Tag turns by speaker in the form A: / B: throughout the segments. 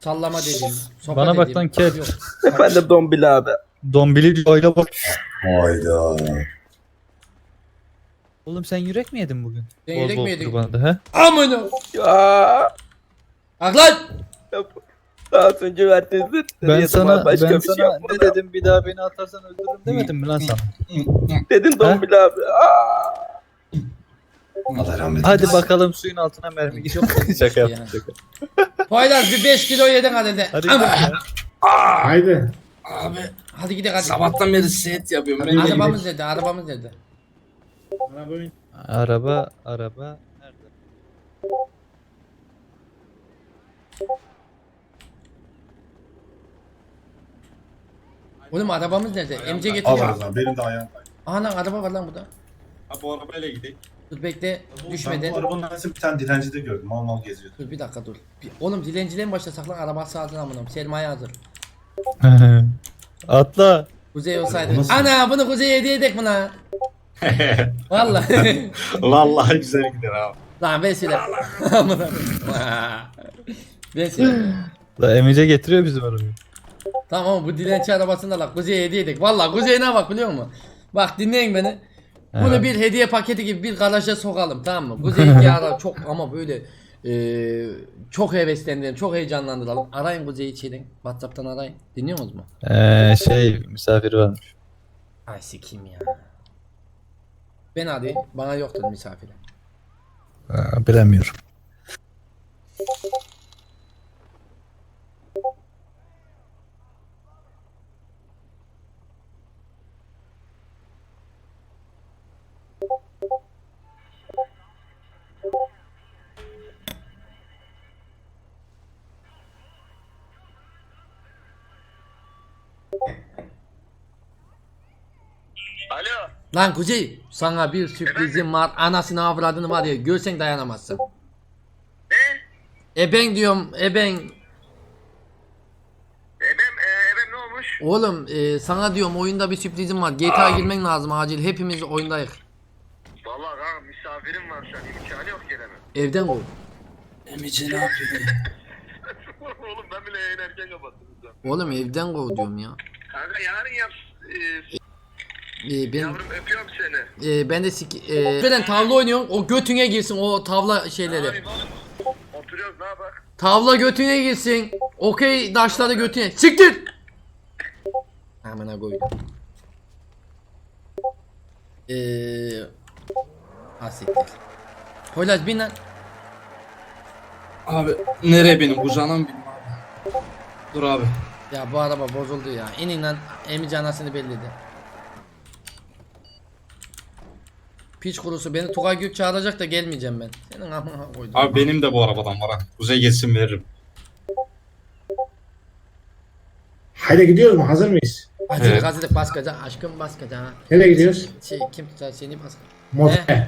A: Sallama dedim. Sopa
B: Bana bak
A: dedim.
B: lan kel.
A: Yok.
C: Efendim Dombili abi.
B: Dombili öyle bak.
D: Hayda.
B: Oğlum sen yürek mi yedin bugün?
A: Sen
B: Bol
A: yürek
B: bol
A: mi yedin?
B: kurbanda he?
A: Amına.
C: Ya.
A: Bak lan.
C: Daha önce verdiğiniz
B: Ben sana
C: başka
B: ben
C: bir şey
B: sana
C: yapmadım.
B: ne dedim, bir daha beni atarsan öldürürüm demedim mi lan sana?
C: Dedin Dombili abi. Aa.
D: Allah rahmet
B: Hadi
D: eylesin.
B: bakalım suyun altına mermi gidiyor. Şaka yaptım şaka.
A: Poyraz bir 5 kilo yedin hadi de.
B: Hadi
A: Ama-
B: gidelim ya.
E: Haydi.
A: Abi hadi gidelim hadi.
F: Sabahtan beri set yapıyorum. Ben
A: Arabamız nerede? Arabamız nerede?
B: Araba nerede?
A: Oğlum arabamız nerede? MC
D: Allah
A: getiriyor.
D: razı benim de ayağım var.
A: Aha lan araba var lan burada.
D: Ha bu arabayla gidelim.
A: Dur bekle
D: Ben
A: düşmeden.
D: bu arabanın arasında bir tane dilenci de gördüm. Mal mal geziyordu.
A: Dur bir dakika dur. Oğlum dilenciliğe mi başlasak lan araba sağdın amınım. Sermaye hazır.
B: Atla.
A: Kuzey
D: Bu
A: olsaydı.
D: nasıl?
A: Ana bunu Kuzey'e hediye edek buna. Vallahi.
D: Vallahi güzel gider abi.
A: Lan vesile. Amına. Vesile.
B: La Emice getiriyor bizim arabayı.
A: Tamam ama bu dilenci arabasını da la Kuzey'e hediye edek. Vallahi Kuzey'e ne bak biliyor musun? Bak dinleyin beni. Bunu
B: Evet.
A: bir hediye paketi gibi bir garaja sokalım tamam mı? Kuzey'inki ara çok ama böyle çok heveslendirelim, çok heyecanlandıralım. Arayın Kuzey'i içeri. WhatsApp'tan arayın. Dinliyor musunuz mu?
B: Misafir varmış.
A: Ay sikeyim ya. Ben arayayım. Bana yoktur misafiri.
B: Bilemiyorum.
G: Alo.
A: Lan Kuzey sana bir sürprizim var. Anasını avradını var ya görsen dayanamazsın.
G: Ne?
A: Eben diyorum eben.
G: Ebem ne olmuş?
A: Oğlum sana diyorum oyunda bir sürprizim var. GTA girmen lazım acil. Hepimiz oyundayız.
G: Vallahi kanka misafirim var şu an. İmkanı yok gelemem.
A: Evden kov.
F: Emice ne yapıyor?
G: Oğlum ben bile yayın erken kapattım.
A: Oğlum evden kov diyorum ya.
G: Kanka yarın yap.
A: Ben
G: Yavrum öpüyorum seni.
A: ben de ben tavla oynuyorum. O götüne girsin o tavla şeyleri.
G: Abi oğlum. Oturuyoruz ne bak.
A: Tavla götüne girsin. Okey taşları götüne. Siktir. Amına koydum. Ha siktir. Poyraz bin lan.
F: Abi nereye benim kucağına mı bineyim abi? Dur abi.
A: Ya bu araba bozuldu ya. İnin lan. Emici anasını belledi. Piç kurusu beni Tugay Gök çağıracak da gelmeyeceğim ben. Senin amına koydum.
D: Abi benim de bu arabadan var ha. Kuzey geçsin veririm.
E: Haydi gidiyoruz mu? Hazır mıyız?
A: Hazırlık
D: Evet.
A: hazırlık baskaca. Aşkım baskaca.
E: Nereye gidiyoruz?
A: Kim tutar seni baskaca.
E: Motel.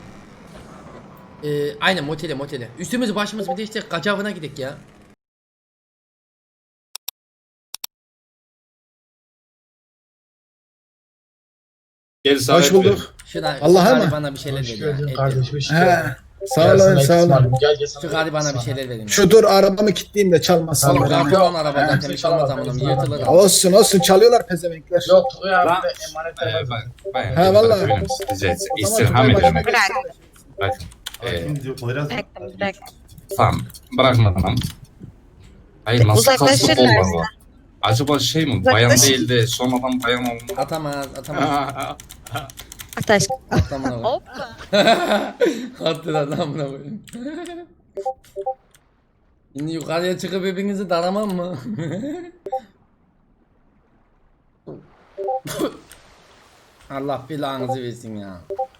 A: Aynen motele. Üstümüzü başımızı bir değiştir. Kaçavına gidek ya.
D: Gel sana
E: Hoş bulduk.
A: Şuna
E: Allah'a
A: şu
E: mı?
A: bana bir şeyler
E: Hoş
A: ver ya.
E: geldin
A: Et
E: kardeşim.
A: ver.
E: Sağ olun, sağ olun.
A: Şu gari bana bir şeyler verin.
E: Şu dur arabamı kilitleyeyim de çalmasın.
A: Oğlum
E: Ya.
A: karton araba zaten bir şey olmaz amınım yırtılır.
E: Olsun çalıyorlar pezevenkler.
H: Yok Tugay abi
D: Lan.
H: de emanetler var.
E: Ha, vallahi.
D: Rica etsem.
E: O zaman
D: İstirham
E: Tugay
D: ederim.
E: başına
D: Bak.
E: geçsin.
D: Diyor Poyraz.
F: Tamam. Bırakma tamam. Hayır nasıl kasıp
I: Uzaklaşırlar.
F: olmaz var? Acaba şey mi? Bayan değil de sonradan bayan olma.
A: Atamaz.
I: At aşkım.
A: Atlamına koy. Attı da adamına koyayım. Şimdi yukarıya çıkıp hepinizi daramam mı? Allah belanızı versin ya.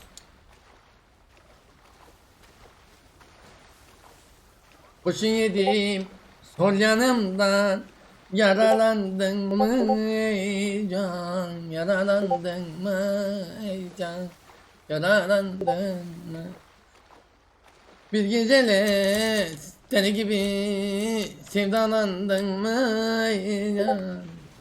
A: Kurşun yedim sol yanımdan. Yaralandın mı ey can? Yaralandın mı ey can? Yaralandın mı? Bir gecele deli gibi sevdalandın mı ey can?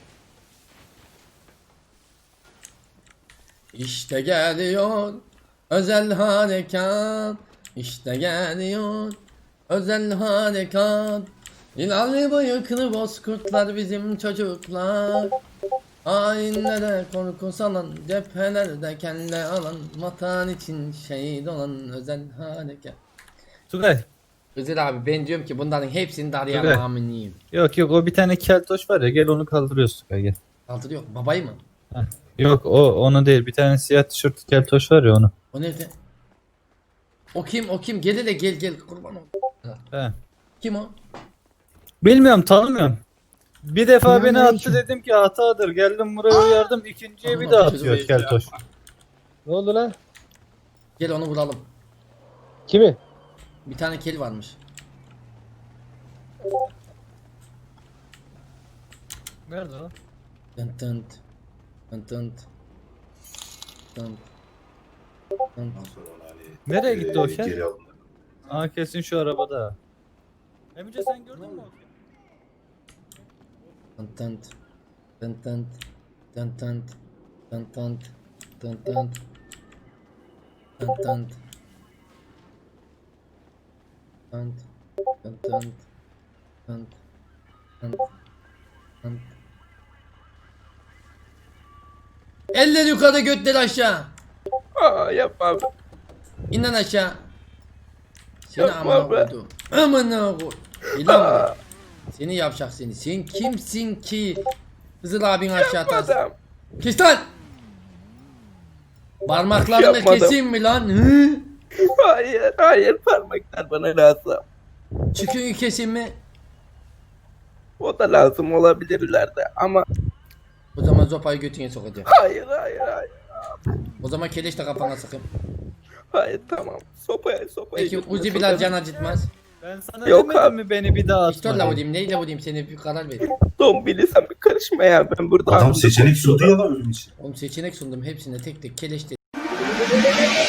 A: İşte geliyor özel harekat. İşte geliyor özel harekat. İnanlı bıyıklı bozkurtlar bizim çocuklar. Hainlere korku salan, cephelerde kelle alan, vatan için şehit olan özel harekat.
B: Tugay.
A: Özür abi ben diyorum ki bunların hepsini de arayan
B: Evet.
A: aminiyim.
B: Yok o bir tane keltoş var ya, gel onu kaldırıyoruz Tugay, gel.
A: Kaldırıyor. Babayı mı?
B: Yok onu değil, bir tane siyah tişörtlü keltoş var ya, onu.
A: O nerede? O kim? Gel hele gel kurban ol.
B: He.
A: Kim o?
B: Bilmiyorum, tanımıyorum. Bir defa beni
E: Selamünaleyküm.
B: attı, dedim ki hatadır. Geldim buraya uyardım. İkinciye bir daha atıyor keltoş.
E: Ne oldu lan?
A: Gel onu vuralım.
E: Kimi?
A: Bir tane kel varmış.
B: Nerede o?
A: Tınt tınt. Tınt tınt. Tınt. Tınt.
B: Nereye gitti o şey? Aa, kesin şu arabada. Emice sen gördün mü o filmi?
A: Tınt tınt. Tınt tınt. Tınt tınt. Tınt tınt. Tınt tınt. Tınt tınt. Tınt. Tınt tınt. Tınt. Tınt. Tınt. Eller yukarı, götler aşağı.
C: Aa yapma abi.
A: İn lan aşağı. Seni
C: Yapma
A: amına
C: be.
A: koydum. Amına koy. İlan buraya. Seni yapacak seni. Sen kimsin ki? Hızır abin aşağı atarsın.
C: Adam.
A: Kes lan. Parmaklarını
C: Yapmadım.
A: keseyim mi lan? Hı?
C: Hayır parmaklar bana lazım.
A: Çıkın keseyim mi?
C: O da lazım olabilir ileride ama
A: O zaman zopayı götüne sokacağım.
C: hayır.
A: O zaman keleş de kafana sıkın.
C: Hayır tamam. Sopaya
A: Peki
C: götüne
A: Uzi biraz
C: sokarım.
A: can acıtmaz.
B: Ben sana
C: Yok
B: demedim
C: abi.
B: mi beni bir daha
A: Pistolle
B: atma?
A: vurayım, neyle vurayım, seni bir karar ver.
C: Dombili sen bir karışma ya ben burada.
D: Adam seçenek sundu ya da ölüm için.
A: Oğlum seçenek sundum hepsine tek tek keleş de.